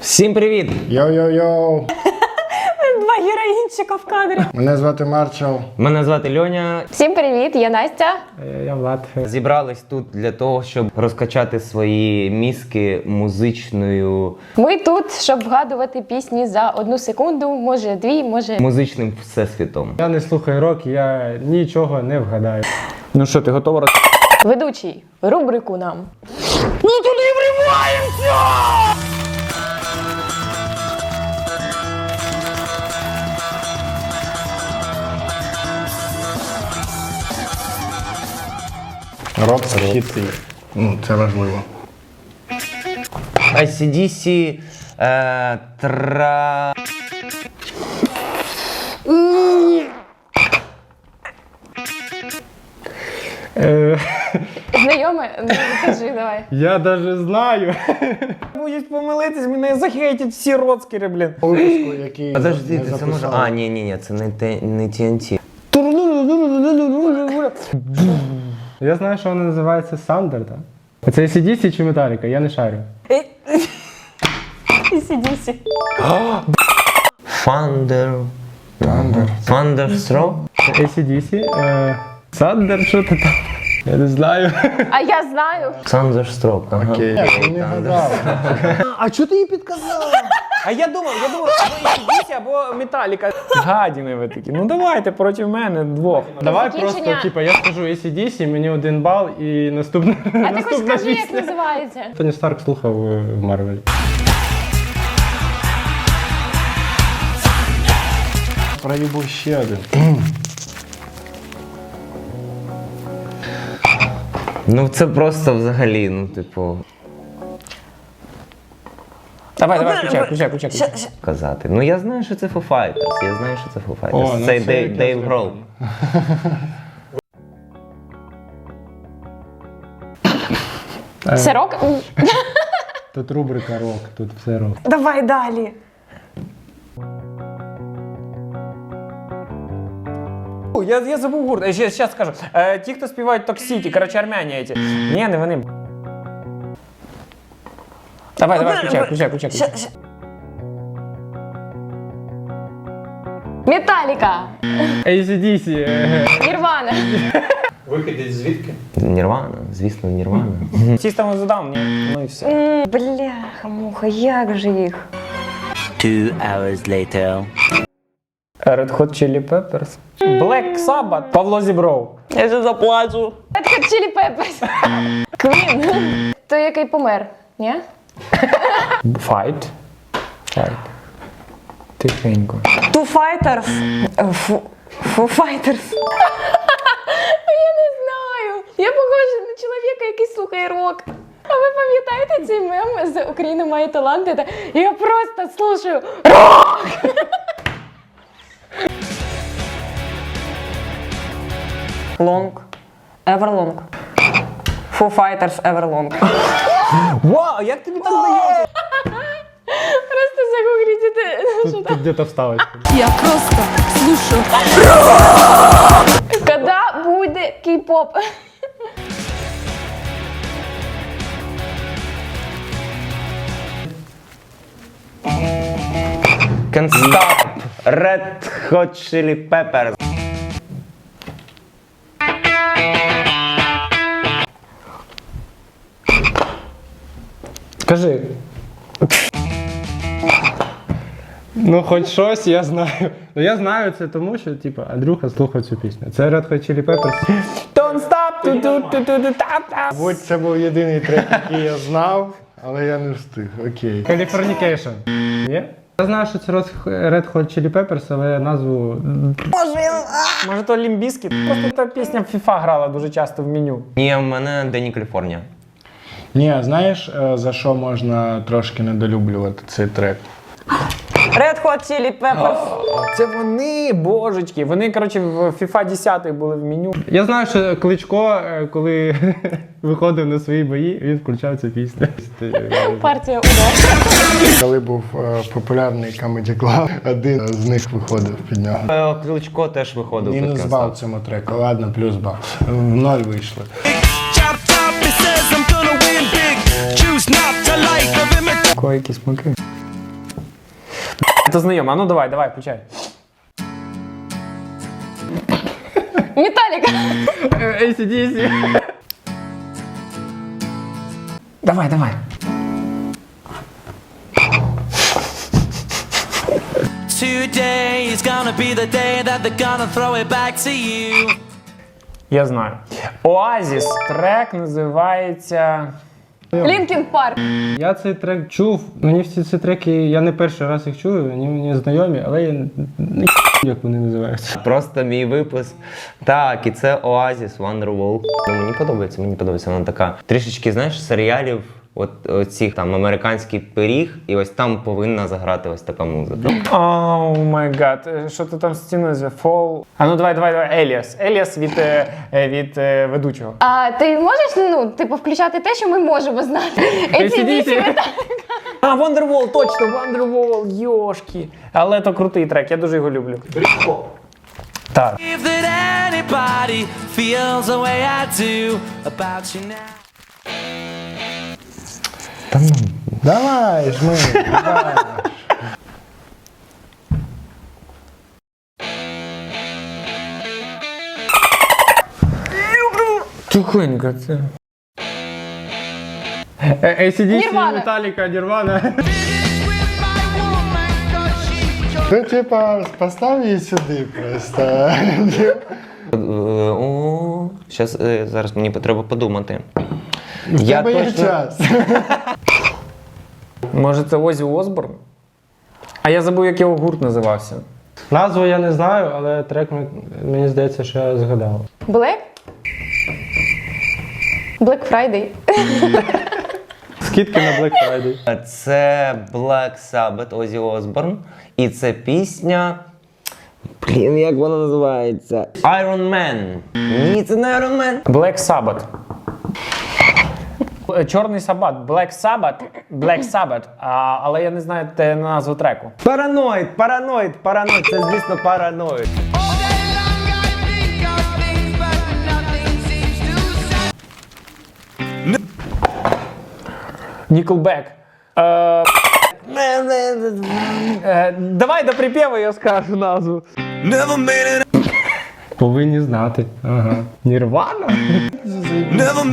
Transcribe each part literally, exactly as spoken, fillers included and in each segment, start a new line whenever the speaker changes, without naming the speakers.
Всім привіт!
Йоу-йоу-йоу!
Два героїнчика в кадрі.
Мене звати Марчел.
Мене звати Льоня.
Всім привіт, я Настя.
Я Влад.
Зібрались тут для того, щоб розкачати свої мізки музичною,
Ми тут, щоб вгадувати пісні за одну секунду, може дві, може...
музичним всесвітом.
Я не слухаю рок, я нічого не вгадаю.
Ну що, ти готова роз...
Ведучий, рубрику нам.
Ну туди вриваємося!
Рок це хіти. Ну, це важливо.
ей сі ді сі, е, тра...
Е,
Знайоме? Ну, кажи, давай.
я навіть знаю.
Будуть помилитись, мене захейтять всі роцкери, блін.
Випуску, який
Подожди,
не
ти це може...
записали.
А, ні, ні, ні, це не, те, не ті ен ті.
Я знаю, що вона називається Сандер, так? Це ей сі ді сі чи Металіка? Я не шарю.
Сідісі.
Фандер... Фандерстроп?
ей сі ді сі? Е, Сандер, що ти там? Я не знаю.
А я знаю.
Фандерстроп, ага.
Окей, я не гадав.
А чого ти їй підказала? А я думав, я думав, або ей сі ді сі, або Металіка. Гадіни ви такі. Ну давайте проти мене двох.
Давай
Закінчення.
просто, типа, я скажу ей сі ді сі, мені один бал і наступна,
А ти хоч
наступна
скажи, як
пісня.
називається.
Тоні Старк слухав е, в Марвелі.
Проїбу ще один.
Ну це просто взагалі, ну типу,
Давай, давай, включай, включай, включай. включай.
казати. Ну я знаю, що це Foo Fighters, я знаю, що це Foo
О,
Fighters.
ну
це
це
Дейв,
якраз
Дейв
я
Гролл.
Це рок?
Тут рубрика рок, тут все рок.
Давай далі.
Я, я забув гурт. Ще, ще скажу. Е, ті, хто співають Токсіті, коротше, армяні ці. Ні, не вони. Давай, давай, включай, включай, включай. включай.
Металіка.
ей сі ді сі. е,
Нірвана.
Нірвана, звісно, Нірвана.
System of a Down, ні? Ну і все.
М, Бляха-муха, як же їх?
Two hours later.
Red Hot Chili Peppers. Black Sabbath. Павло Зібров.
Я вже заплачу. Red Hot Chili Peppers. Queen. То який помер, ні?
Fight. Fight. Тихенько.
Two Fighters. Фу, Foo Fighters. Я не знаю. Я похожа на чоловіка, який слухає рок. А ви пам'ятаєте цей мем з «Україна має таланти»? Та я просто слушаю рок! Long. Everlong. Foo Fighters Everlong.
Вау, як тобі так здається?
Просто загуглите.
Тут, тут где-то вставочка.
Я просто слушаю.
Когда буде кей-поп?
Can't Stop, Red Hot Chili Peppers.
Скажи.
Ну, хоч щось я знаю. Ну, я знаю це тому, що, типу, Андрюха слухав цю пісню. Це Red Hot Chili Peppers.
Don't stop, ту ту ту ту ту тап тап.
Мабуть, це був єдиний трек, який я знав, але я не встиг. Окей.
Californication. Ні? Я знаю, що це Red Hot Chili Peppers, але назву...
Може то Лімбіскіт? Просто та пісня в FIFA грала дуже часто в меню.
Ні, в мене Дені Каліфорнія.
Ні, знаєш, е, за що можна трошки недолюблювати цей трек?
Red Hot Chili Peppers.
Це вони, божечки. Вони, коротше, в FIFA десять були в меню.
Я знаю, що Кличко, е, коли виходив на свої бої, він включав цю пісню.
Партія удар.
Коли був е, популярний Comedy Club, один з них виходив під нього.
Е, Кличко теж виходив. під
Мінус
Can't
бал
Stop.
цьому треку, ладно, плюс бал. В ноль вийшли.
Ко якісь смаки. Це знайомо. А ну давай, давай, включай.
Металіка.
ей сі ді сі.
Давай, давай.
Today is gonna be the day that they're gonna throw it back to you.
Я знаю. Оазіс. Трек називається...
Лінкін Парк.
Я цей трек чув. Мені всі ці треки, я не перший раз їх чую, вони мені знайомі, але я не як вони називаються.
Просто мій випуск. Так, і це Oasis, Wonderwall. Ну, мені подобається, мені подобається. Вона така трішечки, знаєш, серіалів, от оцих там американський пиріг, і ось там повинна заграти ось така музика.
О май гад. Що ти там стіну зве? Фол. А ну давай, давай, давай. Еліас. Еліас від, е, е, від е, ведучого.
А ти можеш, ну, типу, включати те, що ми можемо знати? ей сі ді сі, Металіка.
А, Wonderwall, точно, Wonderwall, йошки. Але то крутий трек, я дуже його люблю. Так.
If that anybody feels the way I do about you now.
Давай, жми, давай.
Тихонько це.
ей сі ді сі,
Nirvana.
Металіка, Нірвана. Ну, типа, постав її сюди просто.
Е, О, щас, е, зараз мені треба подумати. Я
Тебе є
точно...
час.
Може це Озі Осборн? А я забув, як його гурт називався.
Назву я не знаю, але трек мені- мені здається, що я згадав.
Black? Black Friday.
Скидки на Black Friday.
Це Black Sabbath, Ozzy Osbourne. І це пісня... Блін, як вона називається? Iron Man. Ні, це не Iron Man.
Black Sabbath. Е, Чорний Сабат. Black Sabbath. Black Sabbath. А, але я не знаю те назву треку.
Параноїд, параноїд, параноїд. Це, звісно, параноїд.
Nickelback. Е, е, давай до припєву я скажу назву.
Never made it,
Повинні знати. Ага. Нірвана?
never.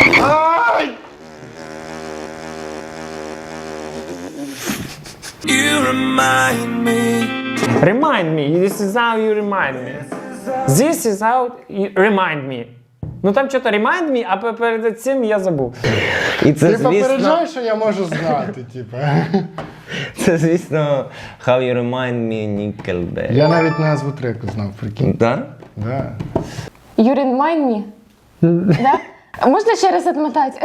You remind me.
Remind me. This is how you remind me. This is how you remind me. Ну там що-то remind me, а пе- перед цим я забув.
І це,
Ти
звісно,
попереджай, що я можу знати, типа.
це, звісно, How You Remind Me, Nickelback.
Я навіть назву треку знав, прикинь.
Да?
Да.
You remind me. Да? А можна ще раз отмотати?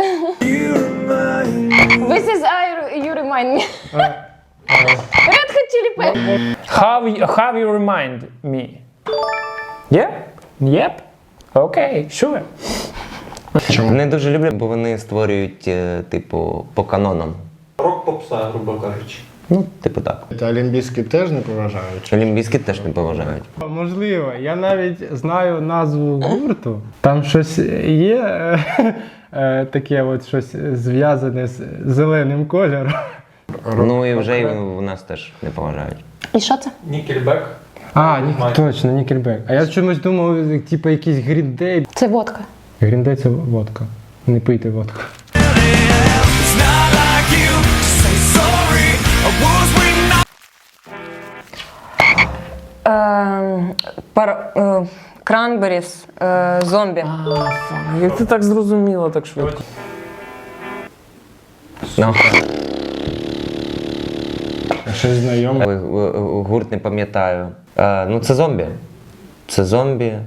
This is I, you remind me. Red Hot Chili Peppers.
How, you- how you remind me? Yeah? Yep? Окей, sure.
Не дуже люблю, бо вони створюють, е, типу, по канонам.
Рок-попса, грубо кажучи.
Ну, типу так.
Та олімпійські теж не поважають.
Олімпійські теж не поважають.
Можливо, я навіть знаю назву гурту. Там щось є е, е, таке от щось зв'язане з зеленим кольором.
Ну і вже і у нас теж не поважають.
І що це?
Нікельбек.
А, ні, точно, Nickelback. А я чомусь думав, типу якийсь Green Day.
Це водка.
Green Day – це водка. Не пийте водку.
It's not like you to say sorry. I was when I.
Ем, пар, е, Кранберіс, е, зомбі.
Як ти так зрозуміла так швидко?
Ну,
Щось знайоме.
е, е, гурт не пам'ятаю. Е, ну, це зомбі. Це зомбі.
Е,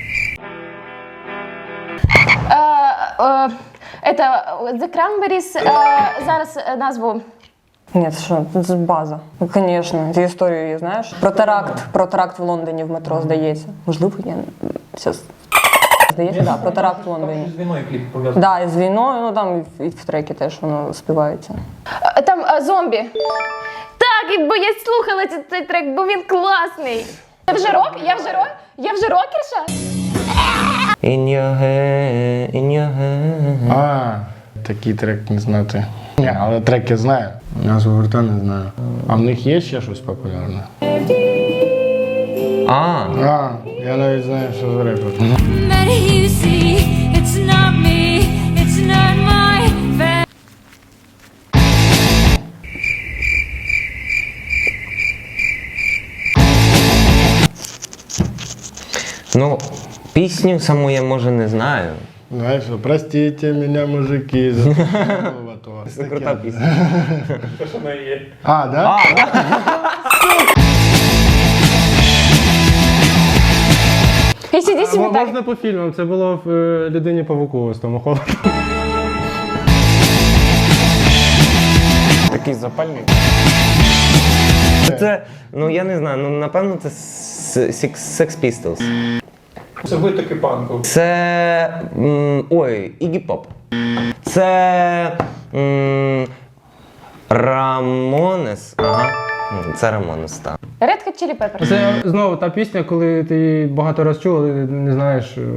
е, Это The Cranberries, е, зараз е, назву.
Ні, це що, це ж база. Ну, звісно, цю історію її знаєш. Про теракт, про теракт в Лондоні в метро, здається. Можливо, я зараз. Здається, так, да, про теракт в Лондоні.
З війною кліп пов'язаний.
Так, да, і з війною, ну там і в трекі теж воно співається.
Е, Там е, зомбі. Так, і бо я слухала цей, цей трек, бо він класний. Я вже рок? Я вже рок? Я вже рокерша?
In your head, in your head.
А, так такий трек не знати. Ні, але трек я знаю. Назву гурта не знаю. А в них є ще щось популярне?
А,
А, я навіть знаю, що за репер.
ну, пісню саму я може не знаю.
Знаєш, що, простите мене, мужики, за то.
Це крута пісня.
Те, що не є.
А, да?
Ей-сі-ді-сі
М-
Металіка.
Можна по фільмам, це було в е, Людині Павуку з Тому Холландом.
Такий запальний.
Це, ну я не знаю, ну напевно це С- Six Sex Pistols.
Це ви таки панку.
Це. м, ой, Iggy Pop. Це. м, Рамонес. Ага. М, Це Рамонес, так.
Red Hot Chili Peppers.
Це знову та пісня, коли ти її багато раз чув, але не знаєш. е,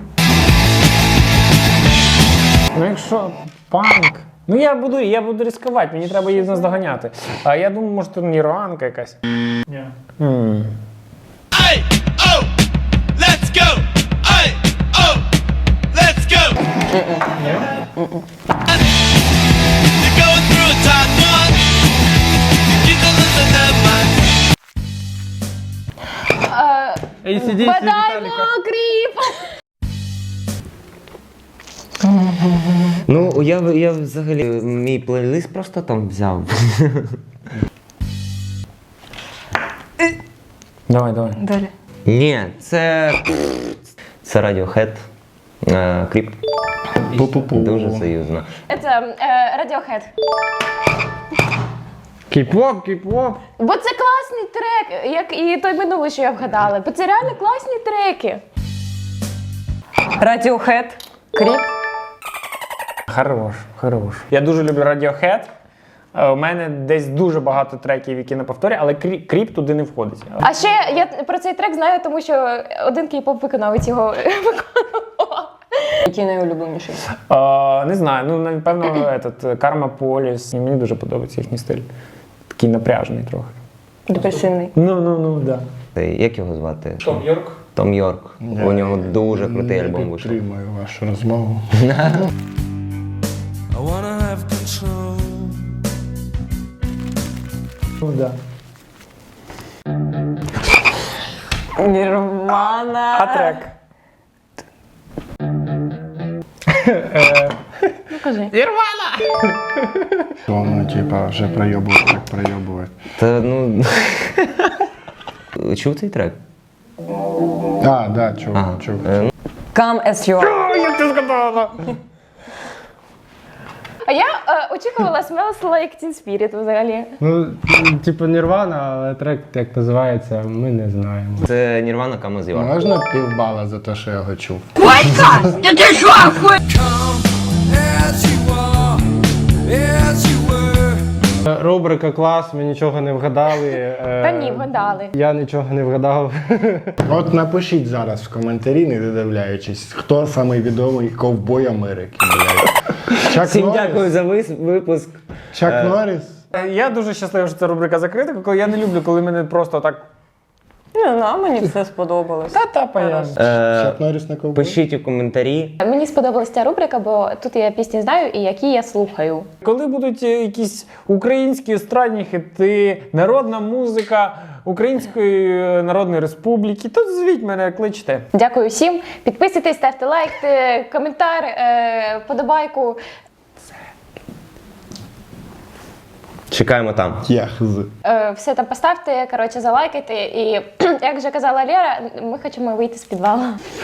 Ну якщо панк. Ну я буду, я буду ризикувати, мені треба її наздоганяти. А я думаю, може це Ніруанка якась.
Ні.
М.
Hey, oh, let's go. Hey, oh, let's go. You're going through a tough one. You can lose their mind.
Е,
ей сі ді сі
Бадай
Металіка.
Кріп!
Ну, я, я взагалі мій плейлист просто там взяв.
Давай, давай.
Далі.
Ні, це. Це Radiohead. Е, Кріп.
Пу-пу-пу.
Дуже союзно.
Це е, Radiohead.
Кіп-поп, кіп-поп.
Бо це класний трек, як і той минулий, що я вгадала. Бо це реально класні треки.
Radiohead, Creep.
Хорош, хорош. Я дуже люблю Radiohead. Е, У мене десь дуже багато треків, які на повторі, але крі- кріп туди не входить.
А ще я про цей трек знаю, тому що один кей-поп виконавець його виконував.
Який найулюбленіший?
Е, не знаю, ну напевно, этот, Karma Police. Мені дуже подобається їхній стиль. Такий напряжений трохи.
Депресивний.
Ну, ну, ну, да.
Це- Як його звати?
Том Йорк.
Том Йорк. У нього дуже крутий
Я
альбом вийшов.
підтримую вашу розмову.
I wanna have control.
Ну, да.
Нірвана.
А трек?
Ну кажи.
Воно, типа, вже пройобує, так пройобує.
Та ну. Чув цей трек?
А, да, чув,
Ага.
чув.
Е, ну,
Come as you are.
Як ти сказала?
А я е, очікувала Smells Like Teen Spirit взагалі.
Ну, типу Нірвана, але трек, як називається, ми не знаємо.
Це Нірвана Come As You Are.
Можна півбала за те, що я його чув?
Come as you are, as you were.
Е, Рубрика клас, ми нічого не вгадали. е,
Та ні, вгадали.
Я нічого не вгадав.
От напишіть зараз в коментарі, не додивляючись, хто самий відомий ковбой Америки, блядь. Чак
Всім
Норріс?
дякую за вис- випуск.
Чак Норріс?
Я дуже щасливий, що ця рубрика закрита, коли я не люблю, коли мене просто так.
Не знаю, мені все сподобалось.
Та-та, понятно.
Е,
Чак Норріс на ковбой?
Пишіть у коментарі.
Мені сподобалася ця рубрика, бо тут я пісні знаю і які я слухаю.
Коли будуть е, якісь українські естрадні хити, народна музика Української е, Народної Республіки, то звіть мене, кличте.
Дякую всім. Підписуйтесь, ставте лайк, е, коментар, е, подобайку.
Чекаємо там.
Я хз.
Е, все там поставте, коротше, залайкайте. І як вже казала Лера, ми хочемо вийти з підвалу.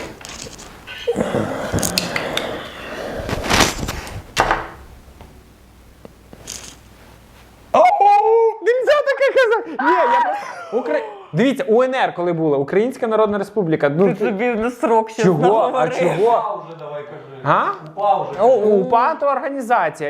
Нельзя таке казати! Ні, я просто... Укра... Дивіться, УНР коли була, Українська Народна Республіка. Ну,
Ти собі на срок ще
чого? А
наговорив.
чого?
Упа вже давай кажи.
А?
Упа вже.
О, УПА то організація.